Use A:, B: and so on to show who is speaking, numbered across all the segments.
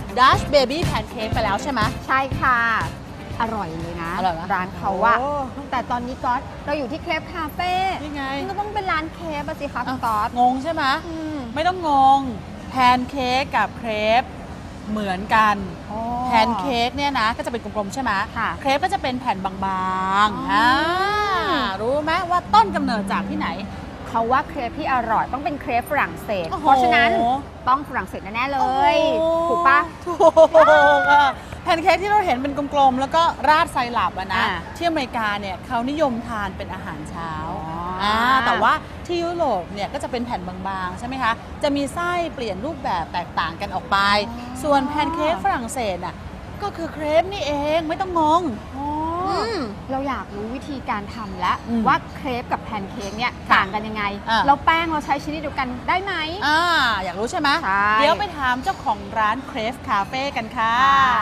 A: ดัชเบบี้แพนเค้กไปแล้วใช่ไหม
B: ใช่ค่ะอร่อยเลยนะร้านเขาอะแต่ตอนนี้ก๊อตเราอยู่ที่เครปคาเฟ่
A: ยังไง
B: ก็ต้องเป็นร้านเครปสิคะก๊อต
A: งงใช่ไหมไม่ต้องงงแพนเค้กกับเครปเหมือนกันแพนเค้กเนี่ยนะก็จะเป็นกลมๆใช่ไหมเครปก็จะเป็นแผ่นบางๆรู้ไหมว่าต้นกำเนิดจากที่ไหน
B: เขาว่าเครปที่อร่อยต้องเป็นเครปฝรั่งเศสเพราะฉะนั้นต้องฝรั่งเศสแน่ๆเลยถูกปะ
A: ถูกแพนเค้กที่เราเห็นเป็นกลมๆแล้วก็ราดไซรัปนะที่อเมริกาเนี่ยเขานิยมทานเป็นอาหารเช้าแต่ว่าที่ยุโรปเนี่ยก็จะเป็นแผ่นบางๆใช่ไหมคะจะมีไส้เปลี่ยนรูปแบบแตกต่างกันออกไปส่วนแพนเค้กฝรั่งเศสน่ะก็คือเครปนี่เองไม่ต้องงง
B: เราอยากรู้วิธีการทำแล้วว่าเครปกับแพนเค้กเนี่ยต่างกันยังไงแล้วแป้งเราใช้ชนิดเดียวกันได้ไหม
A: อยากรู้ใช่ไหมเดี๋ยวไปถามเจ้าของร้านเครปคาเฟ่กันค่ะ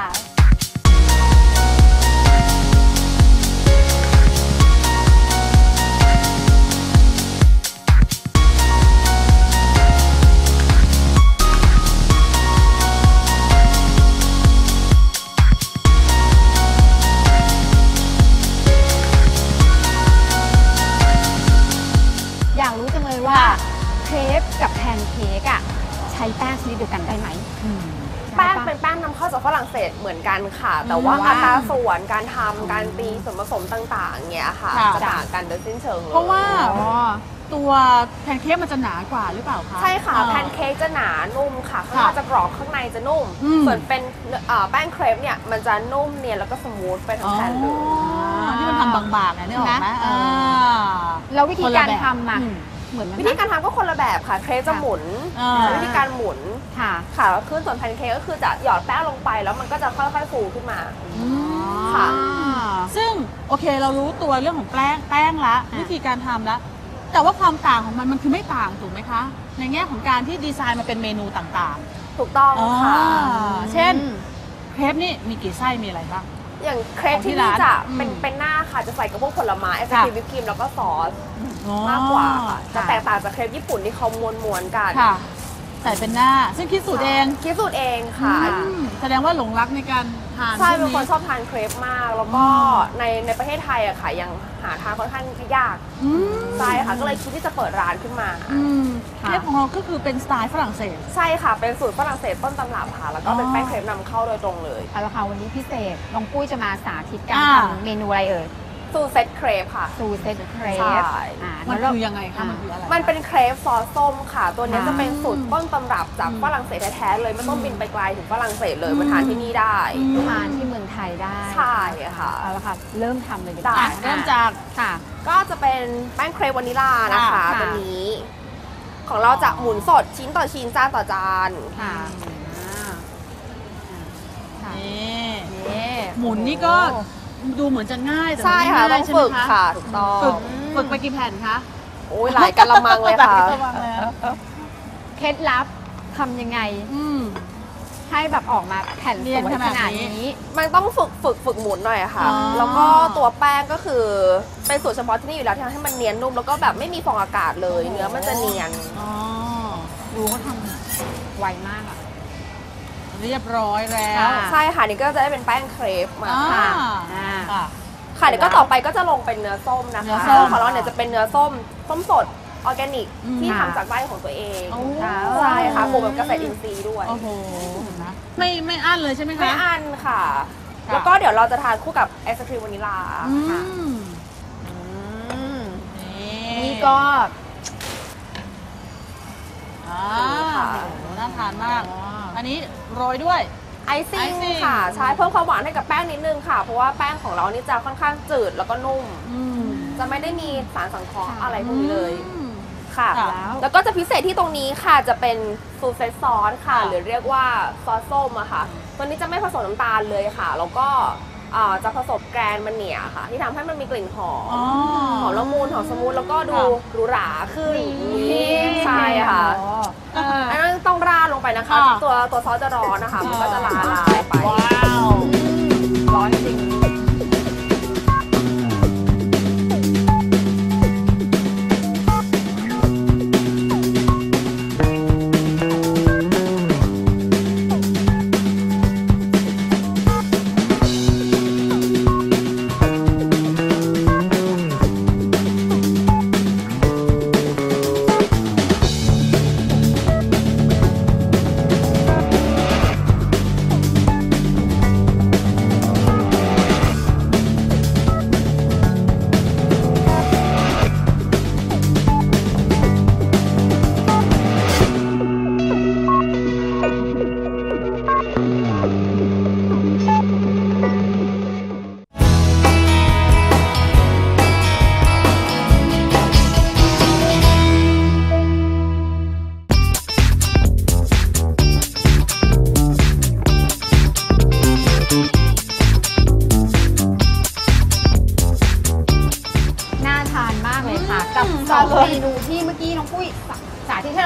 B: เครปกับแพนเค้กอะใช้แป้งชนิดเดียวกันได้ไหม
C: แป้งเป็นแป้งนำเข้าจากฝรั่งเศสเหมือนกันค่ะแต่ว่าอัตราส่วนการทำการตีส่วนผสมต่างๆเนี่ยค่ะจะต่างกันโดยสิ้นเชิงเลย
A: เพราะว่าตัวแพนเค้กมันจะหนากว่าหรือเปล่าคะ
C: ใช่ค่ะแพนเค้กจะหนานุ่มค่ะข้างนอกจะกรอบข้างในจะนุ่มส่วนเป็นแป้งเครปเนี่ยมันจะนุ่มเนียนแล้วก็สมูทไปทั้งแผ่นเลย
A: ที่มันทำบางๆนะนี่ออกไหม
B: แล้ววิธีการทำอะ
C: วิธีการทำก็คนละแบบค่ะเครปจะหมุนวิธีการหมุนค่ะแล้วขึ้นส่วนแพนเค้กก็คือจะหยอดแป้งลงไปแล้วมันก็จะค่อยๆฟูขึ้นมา
A: ค่ะซึ่งโอเคเรารู้ตัวเรื่องของแป้งละวิธีการทำละแต่ว่าความต่างของมันคือไม่ต่างถูกไหมคะในแง่ของการที่ดีไซน์มาเป็นเมนูต่าง
C: ๆถูกต้องค่ะ
A: เช่นเครปนี่มีกี่ไส้มีอะไรบ้าง
C: อย่างเครปที่นี่จะเป็นหน้าค่ะจะใส่กับพวกผลไม้ไอศครีมวิปครีมแล้วก็ซอสมากกว่าค่ะจะแตกต่างจากเครปญี่ปุ่นที่เขาม้วนๆกัน
A: ใส่เป็นหน้าซึ่งคิดสูตรเอง
C: ค่ะ
A: แสดงว่าหลงรักในการทาน
C: ใช่เป็นคนชอบทานเครปมากแล้วก็ในประเทศไทยอะค่ะยังหาทานค่อนข้างยากใช่ค่ะก็เลยคิดที่จะเปิดร้านขึ้นมา
A: เครปของเราก็คือเป็นสไตล์ฝรั่งเศส
C: ใช่ค่ะเป็นสูตรฝรั่งเศสต้นตำรับค่ะแล้วก็เป็นแป้งเครปนำเข้าโดยตรงเลย
B: เอาละค่ะวันนี้พิเศษน้องปุ้ยจะมาสาธิตการทำเมนูอะไรเอ่ย
C: สูตรเซตเครปค่ะ
B: สูตรเซตเครป
A: มันคือยังไงคะมันคืออะไร
C: มันเป็นเครปซอสส้มค่ะตัวนี้จะเป็นสูตรต้นตำรับจากฝรั่งเศสแท้ๆเลยไม่ต้องบินไปไกลถึงฝรั่งเศสเลยมาทานที่นี่ได้
B: ทานที่เมืองไทยได้
C: ใช่ค่ะ
B: เอาละค่ะเริ่มทำเลย
A: ได้เริ่มจาก
C: ค่ะก็จะเป็นแป้งเครปวานิลานะคะตัวนี้ของเราจะหมุนสดชิ้นต่อชิ้นจานต่อจาน
A: ค่ะนี่หมุนนี่ก็ดูเหมือนจะง่ายแต่
C: ใช่ค่ะต้องฝึกค่ะถูกต้อง
A: ฝึกไปกี่แผ่นคะ
C: โอ้ยหลายกะละมังเลยค่ะ
B: เคล็ดลับทำยังไงให้แบบออกมาแผ่นสวยขนาดนี้
C: มันต้องฝึกหมุนหน่อยค่ะแล้วก็ตัวแป้งก็คือเป็นสูตรเฉพาะที่นี่อยู่แล้วที่ทำให้มันเนียนนุ่มแล้วก็แบบไม่มีฟองอากาศเลยเนื้อมันจะเนียน
A: ดูเขาทำ
B: ไวมากอะ
A: เรียบร้อยแล้ว
C: ใช่ค่ะนี่ก็จะได้เป็นแป้งเครปมา
A: ค่ะ
C: ค่ะเดี๋ยวก็ต่อไปก็จะลงเป็นเนื้อส้มนะคะของเราเนี่ยจะเป็นเนื้อส้มสดออร์แกนิกที่ทำจากไร่ของตัวเองใช่ค่ะปลูกแบบเกษตรอินทรีย์ด้วย
A: โอ้โหไม่อั้นเลยใช่ไหมคะ
C: ไม่อั้นค่ะแล้วก็เดี๋ยวเราจะทานคู่กับไอศครีมวานิลาค่ะ
B: นี่ก็
A: น่าทานมากอันนี้โรยด้วย
C: ไอซิ่งค่ะใช้เพิ่มความหวานให้กับแป้งนิดนึงค่ะเพราะว่าแป้งของเรานี่จะค่อนข้างจืดแล้วก็นุ่มจะไม่ได้มีสารสังเคราะห์อะไรพวกนี้เลยค่ะแล้วก็จะพิเศษที่ตรงนี้ค่ะจะเป็นซูเซตซอสค่ะหรือเรียกว่าซอสส้มอะค่ะตัวนี้จะไม่ผสมน้ำตาลเลยค่ะแล้วก็จะผสมแกรนมันเนียค่ะที่ทำให้มันมีกลิ่นหอมละมุนหอมสมูทแล้วก็ดูหรูหราขึ้นใช่ค่ะอันนั้นต้องราดลงไปนะคะตัวซอสจะร้อนนะคะมันก็จะละลายไป
B: ร้อนจริง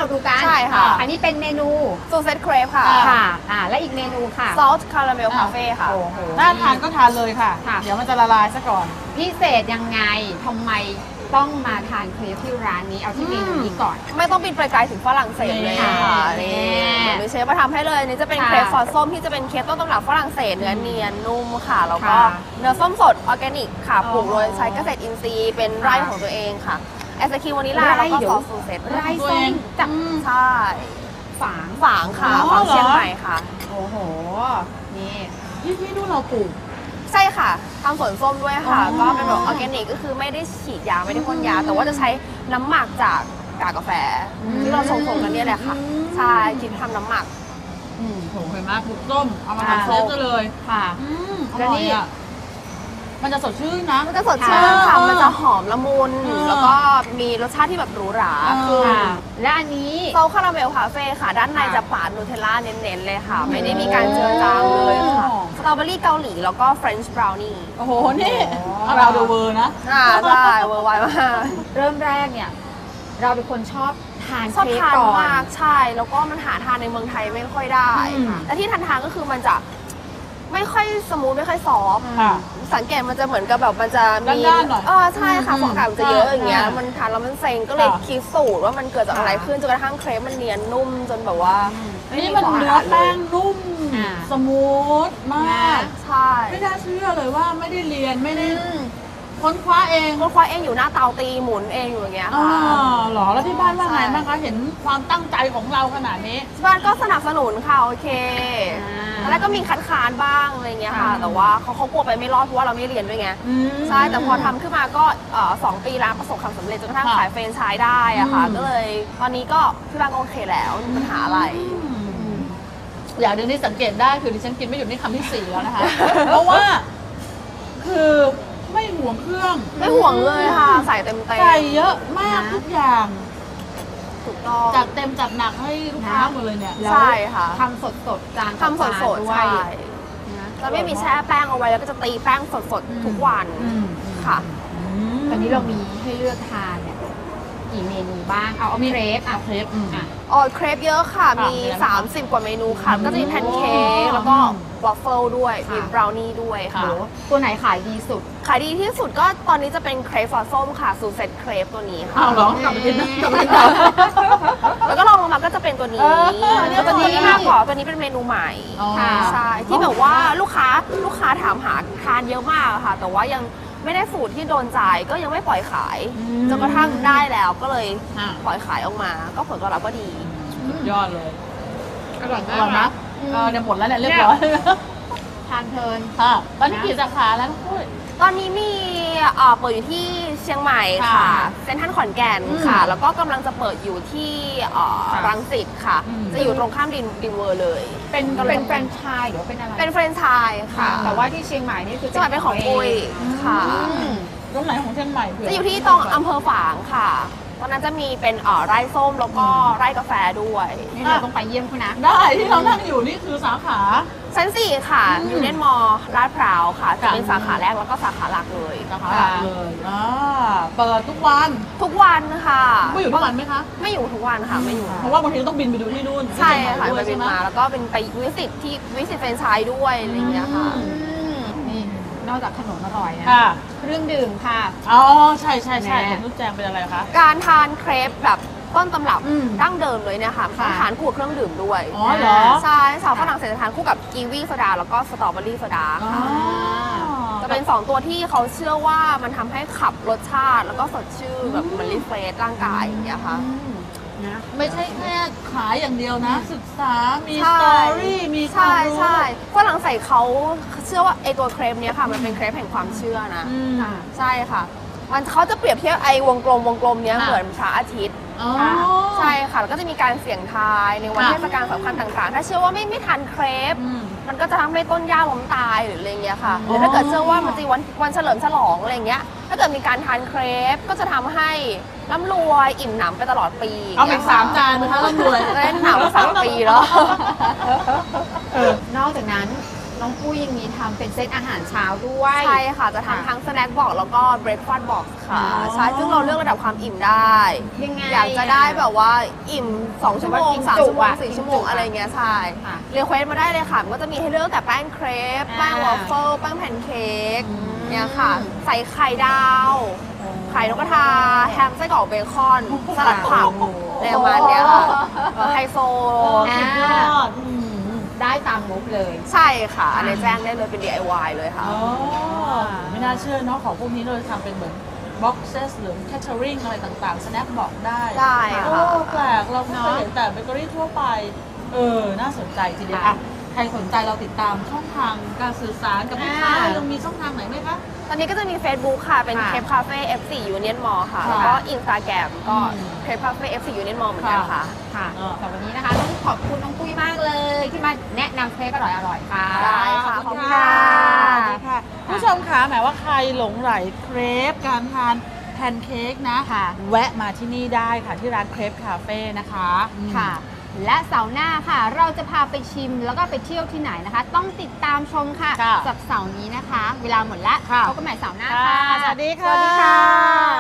B: เราดูกัน
C: ใช่ค่ะ
B: อันนี้เป็นเมนู
C: ซูเซตเครปค่ะ
B: ค่ะและอีกเมนูค่ะ
C: ซอสคาราเมลคาเฟ่ค่ะ
B: โอ้โห
A: น่าทานก็ทานเลยค่ะ
B: ค่ะ
A: เดี๋ยวมันจะละลายซะก่อน
B: พิเศษยังไงทำไมต้องมาทานเครปที่ร้านนี้เอาที่เมนูนี้ก่อน
C: ไม่ต้องบินไปไกลถึงฝรั่งเศสเลยค่ะ
B: นี่
C: นี่มีเชฟมาทำให้เลยนี่จะเป็น
B: ค่ะ
C: เครปซอสส้มที่จะเป็นเครปต้นตำรับฝรั่งเศสเนื้อเนียนนุ่มค่ะ แล้วก็
B: ค่ะ
C: เนื้อส้มสดออร์แกนิกค่ะ
B: อ๋อ
C: ปลูกโดยใช้เกษตรอินทรีย์เป็นไร่ของตัวเองค่ะไอศครีมวานิลลา
B: ไร่
C: แล้วก็
B: เดี๋ยว
C: ซอสซูเซต
B: ไร่
A: ตัว
B: ส้
A: เอ
B: ม
A: ง
B: จาก
C: ใช่
B: ฝาง
C: ฝางค่ะ
A: อ๋อ
C: ฝางเชียง
A: เหรอ
C: ใหม่ค่ะ
B: โอ้โห นี่
A: ที่นู่นเราปลูก
C: ใช่ค่ะทำสวนส้มด้วยค่ะ
A: อ๋อ
C: ก็เป็นแบบออร์แกนิกก็คือไม่ได้ฉีดยาไม่ได้พ่นยา แต่ว่าจะใช้น้ำหมักจากกากกาแฟ ที่เราชงๆกันเนี่ยแหละค่ะ ใช่คิดทำน้ำหมัก
A: โหเห็นไหมปลูกส้มเอามาทำเซฟก็เลย
B: ค่ะ
A: อ
B: แล้ว
A: ร่อ
B: นี่
A: ยอ่ะมันจะสดชื่นนะ
C: มันจะสดชื่นค่ะ มันจะหอมละมุน
A: เออ
C: แล้วก็มีรสชาติที่แบบหรูหรา
A: เออ
C: คือ
B: ค่ะ และอันนี้
C: เซาคาราเมลคาเฟ่ค่ะ ด้านในจะปาดนูเทลล่าเน้นๆเลยค่ะ ไม่ได้มีการเจือจางเลยค่ะ สตรอเบอรี่เกาหลีแล้วก็เฟรนช์บราวนี่
A: โอ้โห นี่เราดูเวอร์นะ
C: ใช่เวอร์ไวมาก
B: เริ่มแรกเนี่ย เราเป็นคนชอบทาน
C: ชอบ
B: เค้ก
C: ทาน
B: ก่อน
C: มากใช่ แล้วก็มันหาทานในเมืองไทยไม่ค่อยได้
B: อืม
C: แต่ที่ทานก็คือมันจะไม่ค่อยสมูทไม่ค่อยซอฟต์
A: ค่ะ
C: สังเกตมันจะเหมือนกับแบบมันจะมี
A: ด้านๆหน่อย
C: ใช่ค่ะฟองอากาศมันจะเยอะอย่างเงี้ย
A: ใช่
C: มันทานแล้วมันเซ็งก็เลย
A: ค่ะ
C: คิดสูตรว่ามันเกิดจากอะไร
B: ค่ะ
C: ขึ้นจนกระทั่งเครปมันเนียนนุ่มจนแบบว่า
A: นี่มันเนื้อแป้งนุ่ม
B: อ่า
A: สมูทมาก
C: ใช่
A: ไม่น่าเชื่อเลยว่าไม่ได้เรียนไม่ได้ค้นคว้าเอง
C: คนคว้าเองอยู่หน้าเตาตีหมุนเองอยู่อย่างเงี้ย
A: อ๋อ
C: ค่ะ
A: เหรอแล้วที่บ้านว่าไง
C: ใช่
A: บ้างคะเห็นความตั้งใจของเราขนาดนี้
C: ที่บ้านก็สนับสนุนค่ะโอเค
B: อ่า
C: แล้วก็มีคัดค้านบ้างอะไรเงี้ยค่ะ
B: ค่ะ
C: แต่ว่าเขากลัวไปไม่รอดเพราะว่าเราไม่เรียนด้วยไง ใช่ แต่พอทำขึ้นมาก็2 ปีร้านประสบความสำเร็จจนกระทั่ง
A: ค่ะ
C: ขายแฟรนไชส์ได้อะค่ะ
A: อืม
C: ก็เลยตอนนี้ก็ที่บ้านก็โอเคแล้วไม่มีปัญหาอะไร
A: อย่างหนึ่งที่สังเกตได้คือดิฉันกินไม่หยุดนี่คำที่ 4 แล้วนะคะ เพราะว่า คือไม่ห่วงเครื่อง
C: ไม่ห่วงเลยค่ะ ใส่เต็ม
A: ใส่เยอะมากทุกอย่าง
C: ถูกต้อง
A: จัดเต็มจัดหนักให้ลูกค้าหมดเลยเนี่ย
C: ใช่ค่ะ
B: ทำสดๆจานต่อ
C: ทำส
B: จาน
C: ดๆ
B: ด้วย
C: ใช่
B: นะ
C: จะไม่มีแช่แป้งเอาไว้แล้วก็จะตีแป้งสดๆทุกวันค่ะ
B: ตอนนี้เรามีให้เลือกทานเนี่ยกี่เมนูบ้าง เอาเครปอ่ะ
A: เครป
B: อ่ะ
C: เครปเยอะค่ะ
A: ค่ะ
C: มี
A: มีอะไรบ้าง
C: 30 กว่าเมนูค่ะ ก็จะมีแพนเค้กแล้วก็วอฟเฟิลด้วย มีบราวนี่ด้วย
B: โห
C: ค่ะ
B: ตัวไหนขายดีสุด
C: ขายดีที่สุดก็ตอนนี้จะเป็นเครปซอสส้มค่ะซูเซ็ตเครปตัวนี้ค่ะ
A: อ้าวเหรอกลับไปกินนะกลับไปกินนะ
C: แล้วก็ลองลงมาก็จะเป็นตัวนี้
A: เนี่ย
C: ตัวนี้
A: ตัวนี้
C: มากกว่าตัวนี้เป็นเมนูใหม่
A: อ๋อ
C: ใช่ที่แบบว่าลูกค้าถามหาทานเยอะมากอะค่ะ แต่ว่ายังไม่ได้สูตรที่โดนใจก็ยังไม่ปล่อยขายจนกระทั่งได้แล้วก็เลย
A: อ่ะ
C: ปล่อยขายออกมา ก็ผลตอบรับก็ดี
A: สุดยอดเลย
B: อร่อย
A: อร่อยนะเนี่ยหมดแล้วเนี่ยเรียบร้อย
B: ทานเพลิน
A: ค่ะตอนนี้กี่สาขาแล้วทุกคน
C: ตอนนี้มีเปิดอยู่ที่เชียงใหม่ค่ะ
A: ค่ะ
C: เซ็นทรัลขอนแก่นค่ะ แล้วก็กำลังจะเปิดอยู่ที่รังสิตค่ะ จะอยู่ตรงข้ามดินเวอร์เลย
B: เป็นแฟรนไชส์หรือว่าเป็นอะไร
C: เป็นแฟรนไชส์ค่ะ
B: แต่ว่าที่เชียงใหม่นี่คือ
C: จังหวัดเป็นของปุ้ยค่ะ
A: ตรงไหนของเชียงใหม่เผื่
C: จะอยู่ที่ตรงอำเภอฝางค่ะ ตอนนั้นจะมีเป็นไร่ส้มแล้วก็ไร่กาแฟด้วย
B: นี่เราต้องไปเยี่ยมคุณนะ
A: ได้ที่เรานั่งอยู่นี่คือสาขา
C: ชั้น 4 ค่ะยูเนียนมอลล์ลาดพร้าวค่ะ จะเป็น
A: ค่ะ
C: สาขาแรกแล้วก็สาขาหลักเลย
A: สาขาหลักเลยเปิดทุกวัน
C: ทุกวันค่ะ
A: ไม่อยู่ทุกวันไหมคะ
C: ไม่อยู่ทุกวันค่ะ ไม่อยู่
A: เพราะว่าบางทีต้องบินไปดูที่นู่น
C: ใช่ค่ะ
A: ที่
C: ไป
A: เชียงใหม่ด้วยใช่ไหม
C: บินมาแล้วก็เป็นไปวิสิตแฟรนไชส์ด้วยอะไรอย่างเงี้ยค่ะ
B: นี่นอกจากขนมอร่อยนะ
A: ค่ะ
B: เครื่องดื่มค่ะ
A: อ๋อใช่ใช่ใช่
B: แม่
A: ของนุชแจงเป็นอะไรคะ
C: การทานเครปแบบต้นตำรับ
B: อืม
C: ดั้งเดิมเลยเนี่ยค่ะ
B: ค่ะ
C: ทานคู่กับเครื่องดื่มด้วย
A: อ๋อเหรอ
C: ใช่สาวฝรั่งเศสจะทานคู่กับกีวีโซดาแล้วก็สตรอเบอรี่โซดา
A: อ๋อ
C: ค่ะ จะเป็น 2 ตัวที่เขาเชื่อว่ามันทำให้ขับรสชาติ แล้วก็สดชื่นแบบเหมันรีเฟรชร่างกายอย่างเงี้ยค่ะ
B: นะ
A: ไม่ใช่แค่ขายอย่างเดียวนะ ศึกษา มีส
C: ใช่
A: ตอรี่ มีควา
C: ใช่
A: มรู้
C: ใช่ฝรั่งเศสเขาเชื่อว่าไอตัวเครปเนี้ยค่ะ มันเป็นเครปแห่งความเชื่อนะ
A: อืม
C: ใช่ค่ะ มันเขาจะเปรียบเทียบไอ้วงกลมเนี้ย
A: ค่ะ
C: เหมือนพระอาทิตย์
A: อ๋อ
C: ใช่ค่ะแล้วก็จะมีการเสี่ยงทายในวัน
A: ค่ะ
C: เทศกาลสำคัญต่างๆ ถ้าเชื่อว่าไม่ทันเครป
A: อืม
C: มันก็จะทำให้ต้นหญ้าล้มตายหรืออะไรเงี้ยค่ะห
A: อ๋อ
C: รือถ้าเกิดเชื่อว่ามันจะวันเฉลิมฉลองอะไรเงี้ย ถ้าเกิดมีการทานเครปก็จะทำให้ร่ำรวยอิ่มหนำไปตลอดปี
A: เอาอีก3 จานนะคะร่ำรวย
C: จะได้หนำ3 ปีแล้ว
B: นอกจากนั้นน้องปุ้ยยังมีทำเป็นเซตอาหารเช้าด้วย
C: ใช่ค่ะจะทำทั้งสแน็คบ็อกแล้วก็เบรคฟาสต์บ็อกค่ะใช่ซึ่งเราเลือกระดับความอิ่มได้
B: ยังไง
C: อยากจะได้แบบว่าอิ่ม2 ชั่วโมง 3 ชั่วโมง
B: กินจุอะ
C: 4 ชั่วโมงอะไรเงี้ยใช่
B: ค่ะ
C: เรียกเควสมาได้เลยค่ะมันก็จะมีให้เลือกแต่แป้งเครปแป้งวอฟเฟิลแป้งแพนเค้กเนี่ยค่ะใส่ไข่ดาวไข่นกกระทาแฮมไส้กรอกเบคอนสลัดผักในประมาณเนี้ยค่ะไฮโซ
B: อ่า
A: ยอด
B: ได้ตามงบเลย
C: ใช่ค่ะอันนี้แจ้งได้เลยเป็น DIY เลยค่ะ
A: อ๋อไม่น่าเชื่อเนาะของพวกนี้เราจะทำเป็นเหมือน boxes หรือ catering อะไรต่างๆ snack บอกได้
C: ได้ค่ะ
A: โอ้แปลกเราเคยเห็นแต่เบเกอรี่ทั่วไป น่าสนใจทีเดียวอ่ะใครสนใจเราติดตามช่องทางการสื่อสารกับลูกค้ายังมีช่องทางไหนไหมคะ
C: ตอนนี้ก็จะมี Facebook ค่ะ เป็น
A: ค่ะ
C: เคปคาเฟ่ F4 Union Mall ค่ะ
A: ค่ะ
C: แล้วก็ Instagram ก็เคปคาเฟ่ F4 Union Mall เหมือนกันค่ะ
B: ค่ะแต่วันนี้นะคะต้องขอบคุณน้องปุ้ยมากเลยที่มาแนะนำเครปอร่อยๆค่ะ
C: ได้ค่ะ
A: ขอบคุณ
C: ขอบคุณค่ะ
A: ค่ะผู้ชมคะหมายว่าใครหลงไหลเครปการทานแพนเค้กนะ
B: ค่ะ
A: แวะมาที่นี่ได้ค่ะที่ร้านเครปคาเฟ่นะคะ
B: ค่ะ และเสาร์หน้าค่ะ เราจะพาไปชิมแล้วก็ไปเที่ยวที่ไหนนะคะ ต้องติดตามชมค่ะ
A: ค่ะ
B: สัปเสาร์นี้นะคะ เวลาหมดแล้ว
A: ค่ะ
B: พบกันใหม่เสาร์หน้า
A: ค่ะ
B: ค่ะ
A: สวัสดีค่ะ
B: สวัสดีค่ะ